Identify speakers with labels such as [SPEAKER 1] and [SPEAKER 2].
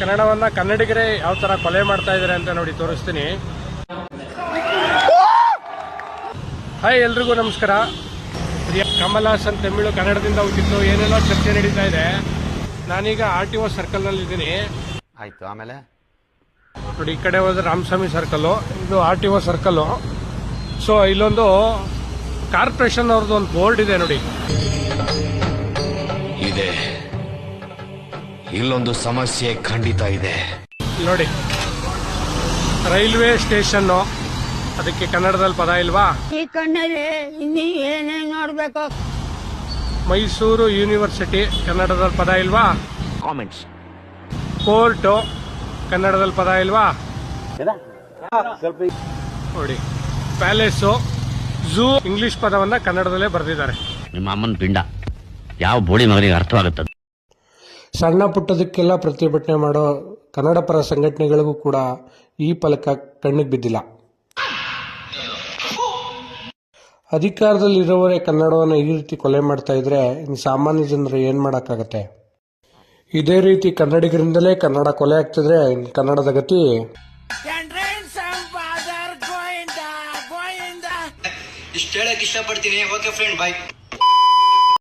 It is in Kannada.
[SPEAKER 1] ಕನ್ನಡವನ್ನ ಕನ್ನಡಿಗರೇ ಯಾವ ತರ ಕೊಲೆ ಮಾಡ್ತಾ ಇದಾರೆ ಅಂತ ನೋಡಿ ತೋರಿಸ್ತೀನಿ. ಹಾಯ್, ಎಲ್ರಿಗೂ ನಮಸ್ಕಾರ. ಕಮಲ್ ಹಾಸನ್ ತಮಿಳು ಕನ್ನಡದಿಂದ ಹುಟ್ಟಿತ್ತು, ಏನೆಲ್ಲ ಚರ್ಚೆ ನಡೀತಾ ಇದೆ. ನಾನೀಗ RTO ಸರ್ಕಲ್ ನಲ್ಲಿ ಇದ್ದೀನಿ.
[SPEAKER 2] ಆಯ್ತು, ಆಮೇಲೆ
[SPEAKER 1] ನೋಡಿ, ಈ ಕಡೆ ಹೋದ್ರೆ ರಾಮಸ್ವಾಮಿ ಸರ್ಕಲ್, ಇದು RTO ಸರ್ಕಲ್. ಸೊ ಇಲ್ಲೊಂದು ಕಾರ್ಪೊರೇಷನ್ ಅವ್ರದ್ದು ಒಂದು ಬೋರ್ಡ್ ಇದೆ ನೋಡಿ.
[SPEAKER 3] ಇದೆ, ಇಲ್ಲೊಂದು ಸಮಸ್ಯೆ ಖಂಡಿತ ಇದೆ
[SPEAKER 1] ನೋಡಿ. ರೈಲ್ವೆ ಸ್ಟೇಷನ್, ಅದಕ್ಕೆ ಕನ್ನಡದಲ್ಲಿ ಪದ ಇಲ್ವಾ?
[SPEAKER 4] ಈ ಕಣ್ಣಲ್ಲಿ ಇನ್ನೀ ಏನೇನ್ ನೋಡ್ಬೇಕು.
[SPEAKER 1] ಮೈಸೂರು ಯೂನಿವರ್ಸಿಟಿ, ಕನ್ನಡದಲ್ಲಿ ಪದ ಇಲ್ವಾ?
[SPEAKER 2] ಕಾಮೆಂಟ್ಸ್.
[SPEAKER 1] ಕೋರ್ಟು, ಕನ್ನಡದಲ್ಲಿ ಪದ ಇಲ್ವಾ? ನೋಡಿ, ಪ್ಯಾಲೇಸು, ಝೂ, ಇಂಗ್ಲಿಷ್ ಪದವನ್ನ ಕನ್ನಡದಲ್ಲೇ ಬರೆದಿದ್ದಾರೆ.
[SPEAKER 5] ನಿಮ್ಮ ಅಮ್ಮನ ಪಿಂಡ ಯಾವ ಬೋಳಿ ಮಗನಿಗೆ ಅರ್ಥವಾಗುತ್ತದೆ?
[SPEAKER 1] ಸಣ್ಣ ಪುಟ್ಟದಕ್ಕೆಲ್ಲ ಪ್ರತಿಭಟನೆ ಮಾಡೋ ಕನ್ನಡ ಪರ ಸಂಘಟನೆಗಳಿಗೂ ಕೂಡ ಈ ಫಲಕ ಕಣ್ಣಿಗೆ ಬಿದ್ದಿಲ್ಲ. ಅಧಿಕಾರದಲ್ಲಿರೋವರೇ ಕನ್ನಡವನ್ನು ಈ ರೀತಿ ಕೊಲೆ ಮಾಡ್ತಾ ಇದ್ರೆ ಇನ್ನು ಸಾಮಾನ್ಯ ಜನರು ಏನ್ ಮಾಡಕ್ಕಾಗತ್ತೆ? ಇದೇ ರೀತಿ ಕನ್ನಡಿಗರಿಂದಲೇ ಕನ್ನಡ ಕೊಲೆ ಆಗ್ತಿದ್ರೆ ಕನ್ನಡದ ಗತಿ.
[SPEAKER 6] ಇಷ್ಟು ಹೇಳಕ್ ಇಷ್ಟಪಡ್ತೀನಿ. ಓಕೆ ಫ್ರೆಂಡ್, ಬಾಯ್.